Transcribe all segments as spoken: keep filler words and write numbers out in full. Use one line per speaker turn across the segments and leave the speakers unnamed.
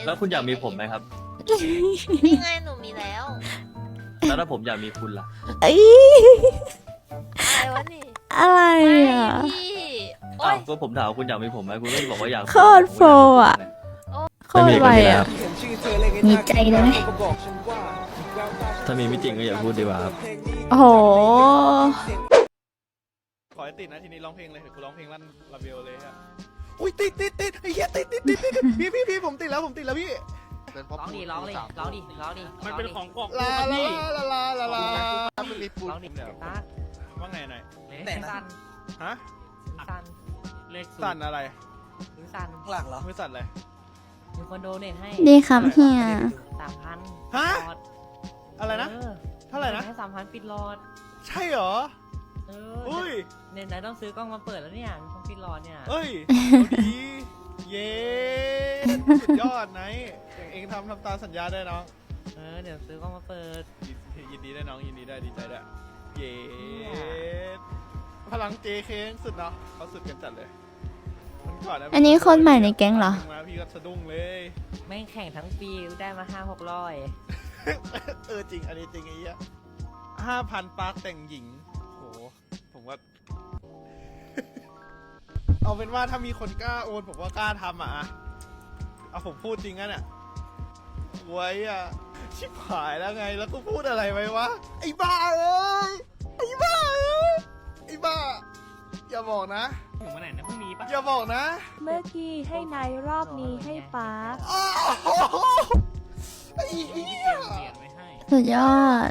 แล้วคุณอยากมีผมไหมครับ
นี่ไงหนูมีแล้ว
แล้วถ้าผมอยากมีคุณล่ะ
เอ้ย
อะไรวะนี่
อะไร
ไม่
อ่ะ
พี่โอ๊
อ้าวย ก็ผมถามว่าคุณอยากมีผมไหมคุณก็บอกว่าอยาก
โคตรโฟอ่ะ โคตรไวอ่ะ
มีใจเลย
ถ้ามีไม่จริงก็อย่าพูดดีกว่าครับ
โอ้โห
ขอให้ติดนะทีนี้ร้องเพลงเลยเถอะกูร้องเพลงลั่นระเบลเลยฮะอุ้ยติดติดติดไอ้เหี้ยติดติดติดติดพี่พี่พี่ผมติดแล้วผมติดแล้วพี่
ร้องดิร้องดิร้องดิร้องดิ
มันเป็นของกล่อง
ร้
ลา
องดิ
ลาลาลาลาลา
มันมีปูนร้องดิตา
ว่าไงหน่อย
แต่สั้น
ฮะ
สั้นเลข
สั่นอะไร
มือสั้น
หลังเหรอ
มือสั่นอะไร
มีคนโดเนทให้
ดีครับเฮีย
สามพัน
ฮะ
หลอด
อะไรนะ
ออ
เท่าไหร่นะ
ให้สามพันปิดหลอด
ใช่เหรอ
เออ
อุ้ย
เนี่ยไหนต้องซื้อกล้องมาเปิดแล้วเนี่ยต้องปิดหลอดเนี่ย
เอ้ยเอาดีเย้สุดยอดไหนอย่างเองทำทำตามสัญญาได้น้อง
เออเดี๋ยวซื้อกล้องมาเปิด
ยินยินดีได้น้องยินดีได้ดีใจด้วยเย้พลังเจเคสุดเนาะเขาสุดกันจัดเลยมันก่ะ
อันนี้คนใหม่ในแก๊งเหรอ
มาพี่ก็สะดุ้งเลย
แม่งแข่งทั้งปีได้มาห้าหกร้อย
เออจริงอันนี้จริงไอ้เหี้ยห้าพันปาร์คแต่งหญิงโหผมว่า เอาเป็นว่าถ้ามีคนกล้าโอนผมว่ากล้าทำอ่ะอะเอาผมพูดจริงนะเนี่ยไว้อ่ะชิบหายแล้วไงแล้วก็พูดอะไรไว้วะไอ้บ้าเอ้ยไอ้บ้าเอ้ยไอ้บ้าอย่าบอกนะ
ถึงวันไหนนะพรุ่งนี้ปะ
อย่าบอกนะ
เมื่อกี้ให้นายรอบนี้ให้ป๊า
อ้าวไอ้เหี้ย
เปลี่ยนไว้ให้
สุดยอด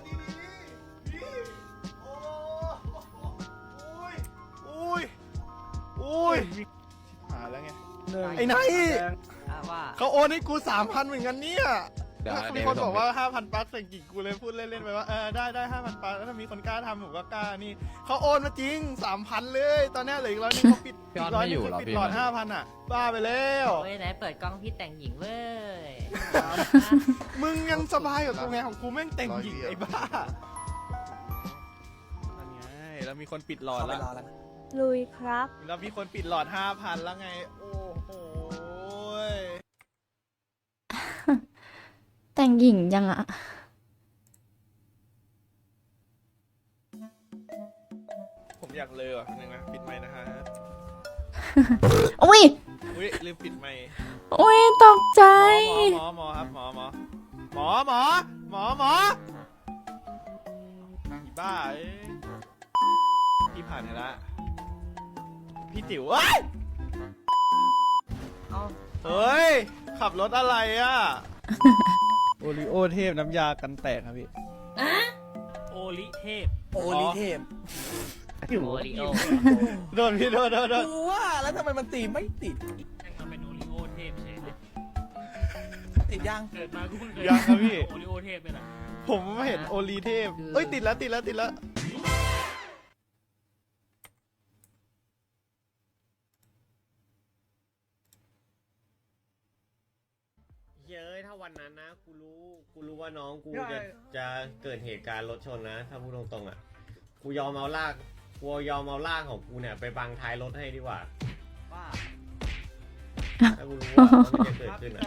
อุ้ยอุ้ยชิบหายแล้วไงไอ้ไนท์
อ่ะว่า
เขาโอนให้กูสามพันเหมือนกันเนี่ย
เดี๋ยว
มีคนบอกว่าห้าพันปักใส่กิ่งกูเลยพูดเล่นๆไปว่าเออได้ได้ห้าพันปักแล้วถ้ามีคนกล้าทำผมก็กล้านี่เขาโอนมาจริงสามพันเลย ตอนนี้เหลืออีกร้อยนึงเขาปิดอีกร้อยนึงคือปิดหลอดห้าพันอ่ะบ้าไปแล้ว
เฮ้ยไหนเปิดกล้องพี่แต่งหญิงเว้ย
มึงยังสบายกับกูไงของกูแม่งแต่งหญิงไอ้บ้านั่นไงแล้วมีคนปิดหลอด
เข้าไป
แล้ว
รอแล้วนะ
ลุยครับ
แล้วมีคนปิดหลอดห้าพันแล้วไงโอ้โห
แต่งหญิงยังอ่ะ
ผมอยากเลยว่ะนึงนะปิดไมค์นะฮะ
อุ้ย
อุ้ยลืมปิดไมค์
อุ้ยตกใจ
หมอหมอหมอครับหมอหมอหมอหมอหมอหมออีบ้าเอ้ยพี่ผ่านไปละพี่ติ๋วเอ้ย
เอา
เฮ้ยขับรถอะไรอ่ะโอริโอเทพน้ำยากันแตกครับพี่
โอลิเทพ
โอลิเทพ
โอริโอ
โดนพี่โดนโดนโดน
กูว่าแล้วทำไมมันตีไม่ติด
แม่งมาเป็นโอริโอเทพเฉยเลย
ติดยัง
เกิดมากูเพิ่งเคย
ยังครับพี่
โอริโอเทพเลยนะ
ผมเห็นโอรีเทพเอ้ยติดแล้วติดแล้วติดแล้ว
เย้ยถ้าวันนั้นนะกูรู้กูรู้ว่าน้องกูจะจะเกิดเหตุการณ์รถชนนะถ้าพูดตรงๆอ่ะกูยอมเอาลากกูยอมเอาลากของกูเนี่ยไปบังท้ายรถให้ดีกว่า
ว่า
ถ้ากูรู้ว่ามันจะเกิดขึ้นอ่ะ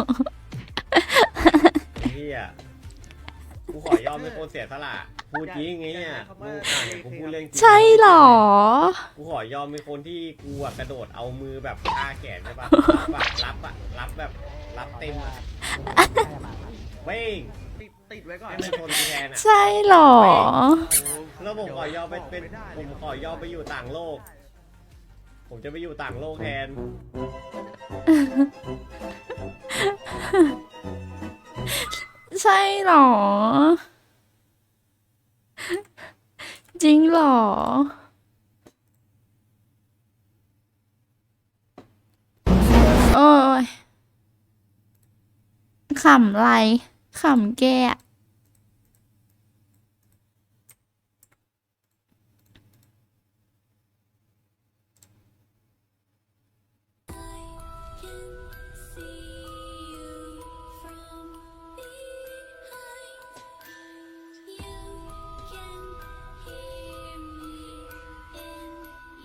ไอ้เหี้ยกูขอยอมเป็นคนเสียสละพูดจริงไงเนี่ยมึงอ่านเนี่ยกูพูดเรื่องจริง
ใช่เหรอ
กูขอยอมเป็นคนที่กูอะกระโดดเอามือแบบท่าแขนใช่ปะรับอะรับอะรับแบบรับเต็มอะเว้ง
ติดไว้ก่อน
ให้มันชนกูแทนอะ
ใช่เหรอ
แล้วผมขอยอมไปเป็นผมขอยอมไปอยู่ต่างโลก ผมจะไปอยู่ต่างโลกแทน
ใช่เหรอ จริงเหรอ โอ้ยขำไรขำแกอะ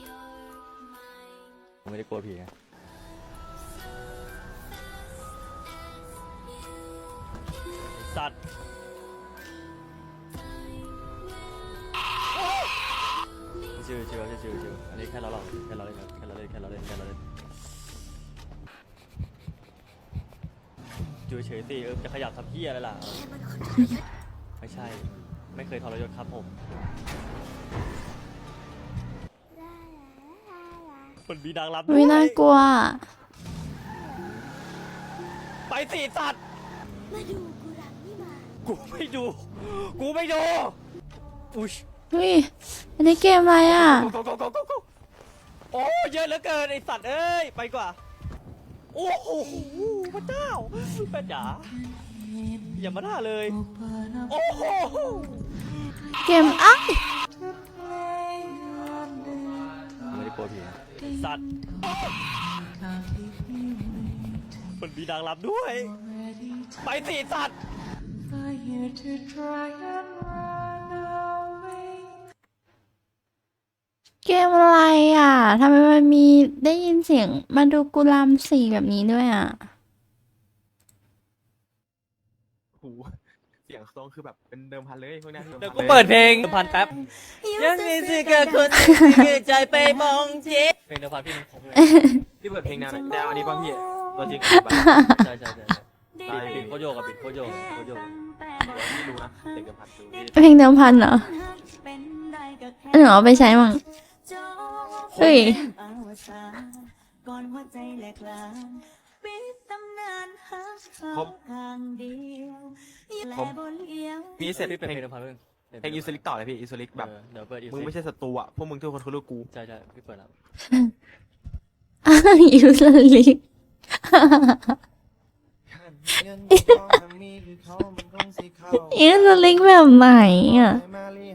ไม่ได้กลัวผีไงสัตว์ชิวชิวชิวชิวชิวอันนี้แค่เราหลอกแค่เราเล่นครับแค่เราเล่นแค่เราเล่นแค่เราเล่นอยู่เฉยสิเออจะขยับทำเพี้ยอะไรล่ะไม่ใช่ไม่เคยทรยศครับผมมันมีนางรำด้ว
วิ
ย
น่ากลัว
ไปสิสัตว์กูไม่ดู กูไม่ดู อุ้ย
เฮ้ย อันนี้เกมอะไรอ่ะ
โกโกโกโกโกโกโอ้เยอะเหลือเกินไอสัตว์เอ้ย ไปกว่า โอ้โหพระเจ้าแม่จ๋าอย่ามาด่าเลย โอ้โห
เกมอ้าย
ไม่ได้กลัวผีนะสัตว์ มันมีนางรำด้วย ไปสิสัตว์
เกมอะไรอ่ะทำไมมันมีได้ยินเสียงมาดูกุลามสีแบบนี้ด้วยอ่ะ
หูเสียงทรงคือแบบเป็นเดิมพันเลยพวกเนี้ย
เดี๋ยวกูเปิดเพลงพันแป๊บ ยังมีสิกกับคนที่ใจไปมองจีเพลงเดิมพันพี่มันคงเลย
พี่เปิดเพลงแนวไหนแนวอันนี้ป่ะพี่ตัวจริง
ใช่ใช่ใช่บิดบิดโคโยกกับบิดโคโยกโคโยก
พี่รู้นะเสียงเดิมพันดู
เพลงเดิมพันเหรอหนูเอาไปใช้มั้งเฮ้ย
ผมผมมีเสร็จ
พี่
เพ
เป็น
ลง
เพลงเดิมพันเพิ่ง
เพลงอิสลิกต่อเลยพี่อิสลิกแบบ
เดี๋ยวเปิดอี
มึงไม่ใช่ศัตรูอ่ะพวกมึงทุกคนคือลูกกู
ใช่ใช่พี่เปิดแล้ว
ยูสลิก ยูสลิกแบบไหนอ่ะ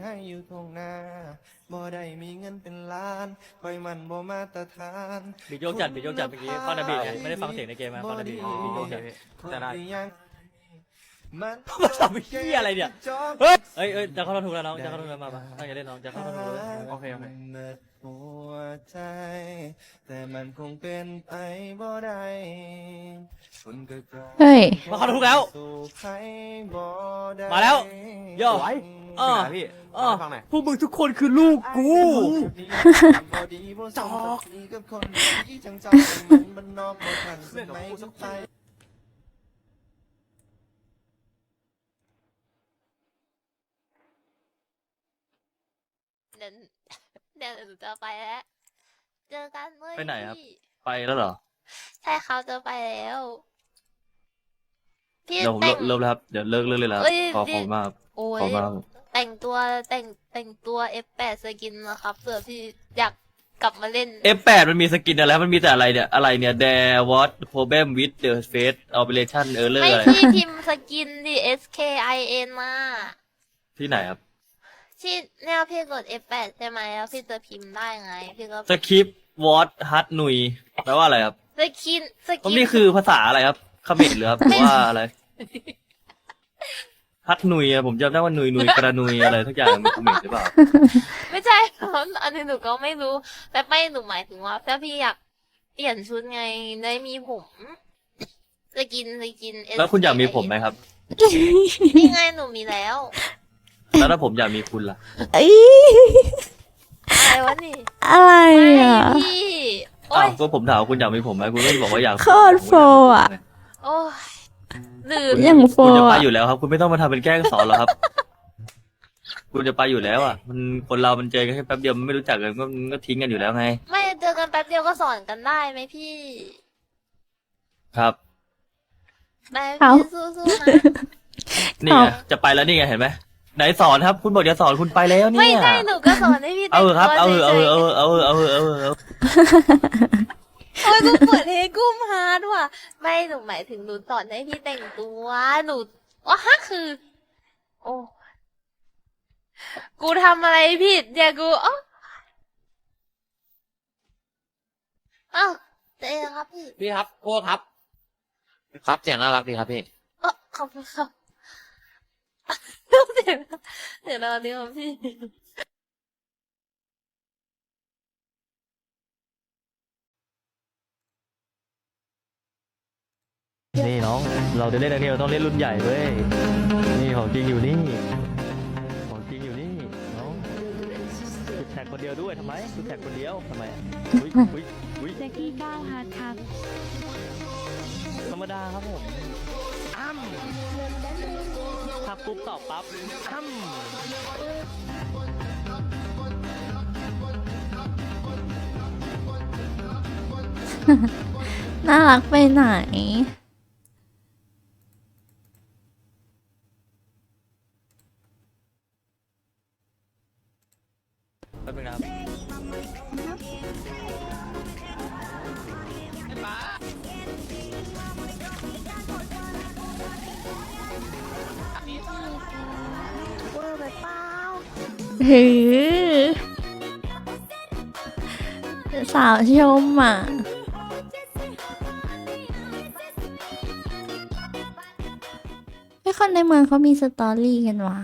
บ่ได้มีเงินเป็นล้านคอยมันบ่มาตรฐาน
บิดโยกจัดบิดโยกจัดเมื่อกี้ฟังนาบีไงไม่ได้ฟังเสียงในเกมมาฟังนาบีบิดโยกจัด
จะได้
มัน
มาทำเหี้ยอะไรเนี่ย เฮ้ยเอ้ยเอ้ยจะเข้าทอนถูกแล้วน้องจะเข้าทอนถูกแล้วมาปะตั้งใจเล่นน้องจะเข้าทอนถูกแล้ว
โอเคโอเค
เมิดหัวใจ แต่มันคงเป็นไปบ่ได้คนก็กลาย
เฮ้ย
มาเข้าถูกแล้ว
สู่ใครบ่ได้
มาแล้วโย่
สวย
เออ
พี่
เออ
ฟังหน่อย
พวกมึงทุกคนคือลูกกู
บ่ดีบ่สมศักดิ์ศรีกับคนที่จังจังมันมันนอกบ่ทันสมัยสักไป
เดี๋ยวเดี๋ยวหนูจะไปแล้ว เจอกันเมื่อ
ไปไหนครับ
พี่
ไปแล้วเหรอ
ใช่เขาจะไปแล้ว พี่
เดี๋ยวผม
แต่ง
เริ่มแล้วครับเดี๋ยวเลิกเลิกเลยแล้ว
เอ้ย
ขอขอบคุณมากครับ
โอ้
ขอย บคุณมากครับ
แต่งตัวแต่งแต่งตัว เอฟ แปด สกินนะครับเผื่อพี่อยากกลับมาเล่น
เอฟ แปด มันมีสกินอะไรมันมีแต่อะไรเนี่ยอะไรเนี่ย There what problem with the face operation error
ไม่
อะไร
พี่พิมพ์สกินดิ S K I N มา
ที่ไหนครับ
ที่เนี่ยพี่กด เอฟ แปด ใช่ไหมแล้วพี่จะพิมพ์ได้ไง พี่ก็
สคริปต์ what hard หนุยแปลว่าอะไรครับ
สกินส
ผม
กิน
นี่คือภาษาอะไรครับเขมรหรือครับหรือว่าอะไรฮัดหนุยอะผมจำได้ว่าหนุยหนุยกระนุยอะไรทุกอย่างเป็นเขมรหรือเปล่า
ไม่ใช่ อันนี้หนูก็ไม่รู้ แต่ไม่หนูหมายถึงว่าถ้าพี่อยากเปลี่ยนชุดไงได้มีผมสกินสกิน
แล้วคุณอยากมีผมไหมครับ
นี่ไงหนูมีแล้ว
แล้วถ้าผมอยากมีคุณล่ะ
เอ้ย
อะไรวะนี่
อะไร
ไม่
อ่ะ
พี่โอ้
อ้าวย ก็ผมถามว่าคุณอยากมีผมไหมคุณก็บอกว่าอยาก
โคตรโฟอะ
โอ้ยลืม
อย่างโฟ
คุณจะไป
อ่ะ
อยู่แล้วครับ คุณไม่ต้องมาทำเป็นแกล้งสอนหรอกครับ คุณจะไปอยู่แล้วอ่ะ มันคนเรามันเจอกันแค่แป๊บเดียวมันไม่รู้จักกันก็มันก็ทิ้งกันอยู่แล้วไง
ไม่เจอกันแป๊บเดียวก็สอนกันได้ไหมพี่
ครับ
ได้
เอา
พี่สู้ๆนะ
นี่ไงจะไปแล้วนี่ไงเห็นไหมไหนสอนครับ คุณบอกจะสอนคุณไปแล้วเนี่
ไม่
ย
ใช่หนูก็สอนให้พี่
เอา
แต่ง
เถอะครับ
ตัว
เอาเถอะเอา
ฉ
เถอะ
ย
เอาเถอะเอาเถอะเอาเถอะเอาเถอะเอาเถอะ
ๆโอ้ยกูเปิดเฮกุ้มฮาร์ดว่ะไม่หนูหมายถึงหนูสอนให้พี่แต่งตัวหนูว่าฮะคือ โอ้กูทำอะไรผิดเนี่ยกูอ๋ออ้าวเจ๊ครับพี่
พี่ครับพวกครับ ครับเสียงน่ารักดีครับพี่
เออขอบคุณครับเดี๋ยวนะเดี๋ยวนะเดี๋ยวนะพี่
นี่น้องน้อง เราจะเล่นอันนี้เราต้องเล่นรุ่นใหญ่เว้ย นี่ของจริงอยู่นี่ ของจริงอยู่นี่น้องจุดแท็กคนเดียวด้วยทำไมจุดแท็กคนเดียวทำไมอุ้ยอุ้ยอุ้ย
แจ็กกี้ก้าวฮาร์ดครับ
ธรรมดาครับผมอ้ำทักปุ๊บตอบปั๊บอ้ำ
น่ารักไปไหน
แป๊บนึงนะครับ
หือสาวชมอ่ะไอ้คนในเมืองเขามีสตอรี่กันว่ะ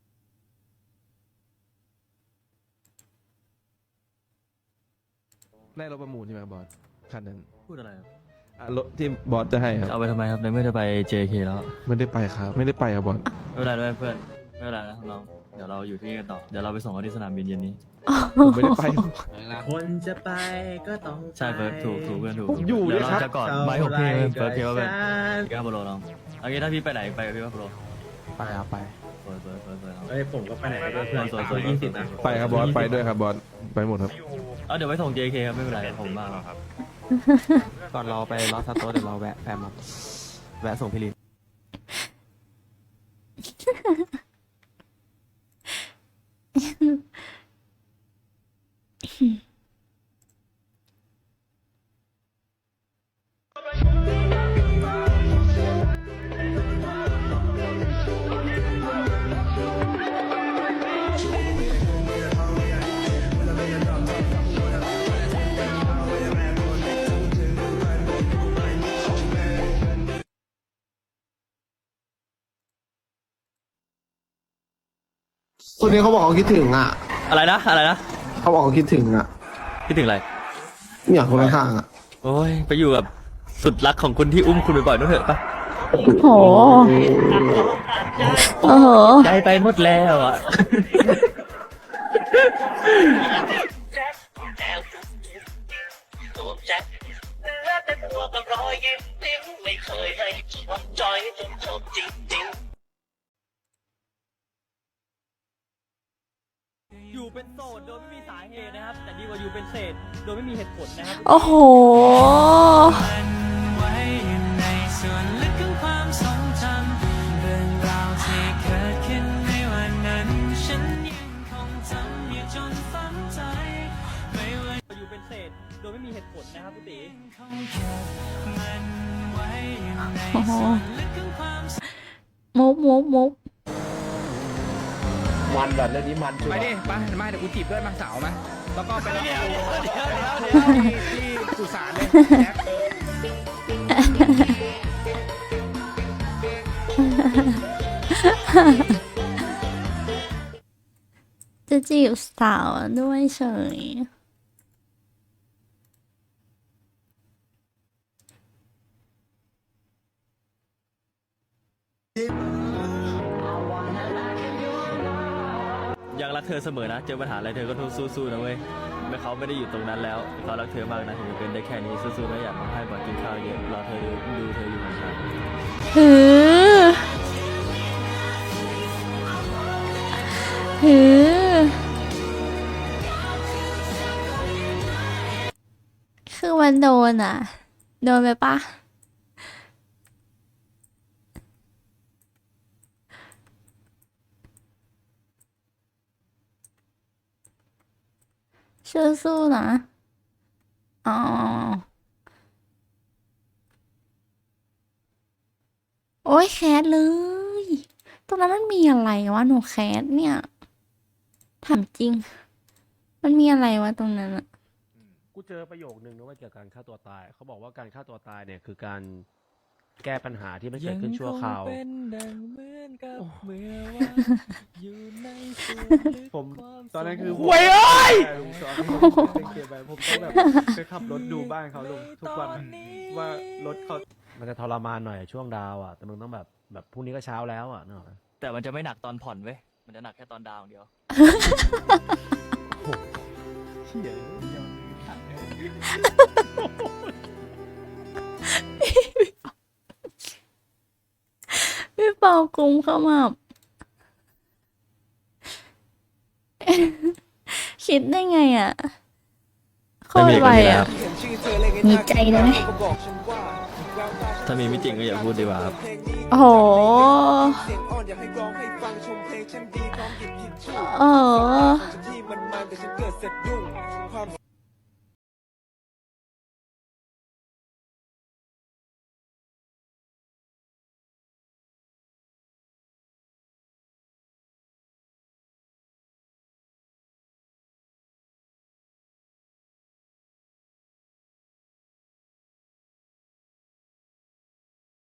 ได้รถประมูลใช่ไหมบอสคันนั้น
พูดอะไรครับ
อ่ะรถที่บอสจะให้ครับ
เอาไปทำไมครับในเมื่อจะไป เจ เค แล้ว
ไม่ได้ไปครับ ไม่ได้ไปครับบอส
ไม่เป็นไรด้วยเพื่อนไม่เป็นไรนะน้องเดี๋ยวเราอยู่ที่นี่กันต่อเดี๋ยวเราไปส่งเขาที่สนามบินเย็นนี้
ผมไม่ได้ไป
คนจะไปก็ต้อง
ใช่เฟิร์สถูกถูกเพื่อนถูก
ผมอยู่
เดี๋ยว
เลย
เรา
ครับ
จะกอดไม้หกพี่เฟิร์สพี่ว่าเป็นพี่ว่าโปรน้องเอางี้ถ้าพี่ไปไหนไปกับพี่ว่าโปร
ไปครับไป
เฟิร์สเฟิร์สเฟิร์สเฟิร์ส
เอ้ยผมก็ไปไหนก็เพื่อน
สวยๆ
ตัวยี่สิบนะ
ไปครับบอส ไปด้วยครับบอส ไปหมดครับ
เอาเดี๋ยวไปส่ง เจ เค ครับไม่เป็นไรผมมากครับ
ก่อนเราไปลอสซาโตสเดี๋ยวเราแวะแฟมครับแวะส่งพี่ลิน
คนนี้เขาบอกเขาคิดถึงอ่ะ
อะไรนะอะไรนะ
เขาบอกเขาคิดถึงอ่ะ
คิดถึงอะไร
เนี่ยคนข้างๆอ่ะ
โอ้ยไปอยู่กับสุดรักของคนที่อุ้มคุณบ่อยๆนู่นเถอะปะ
โอ้โห โอ้โห
ใจไปหมดแล้วอ่ะ อยู่เป็นโสดโดยไม่มีสาเหตุนะครับ แต่ดีกว่าอยู่เป็นเศษโดยไม่มีเหตุผลนะครับ
โอ้โห
อยู่เป็นเศษโดยไม่มีเหตุผลนะครับพี่ตี
โอ้โห มุกมุกมุก
มันแบบเรื่องนี้มันไปดิไปมาเดี๋ยวกูจีบด้วยมาสาวมาแล้วก็ไปรับกูที่สุสานเลยแจ็ค
จะจีบสาวด้วยเฉย
ยังรักเธอเสมอนะ เจอปัญหาอะไรเธอก็ต้องสู้ๆนะเว้ยไม่เขาไม่ได้อยู่ตรงนั้นแล้วเขารักเธอมากนะถึงจะเป็นได้แค่นี้สู้ๆนะอยากมาให้บ่อยกินข้าวเยอะรอเธอดูดูเธออยู่ห่างๆ
หือ หือ คือมันโดนอ่ะ โดนไปปะสู้ๆนะ อ๋อ โอ้ยแคสเลย ตรงนั้นมันมีอะไรวะหนูแคสเนี่ย ถามจริง มันมีอะไรวะตรงนั้นอะ
กูเจอประโยคนึงนะว่าเกี่ยวกับการฆ่าตัวตาย เขาบอกว่าการฆ่าตัวตายเนี่ยคือการแก้ปัญหาที่มันเกิดขึ้นชั่วคราว
ผมตอนนั้นคือ
เว้ยเอ้ย
ลุงสอนเก็บไปผมต้องแบบไปขับรถดูบ้านเขาลุงทุกวันว่ารถเขา
มันจะทรมานหน่อยช่วงดาวอ่ะแต่มึงต้องแบบแบบพรุ่งนี้ก็เช้าแล้วอ่ะนึกออกไหม
แต่มันจะไม่หนักตอนผ่อนเว้ยมันจะหนักแค่ตอนดาวอย่างเดียว
พี่เปากุมเข้ามา คิดได้ไงอ่ะโคตรไวอ่ะ มีใจเลยไหม
ถ้ามีไม่จริงก็อย่าพูดดีกว่าครับ
โอ้โหโอ้โห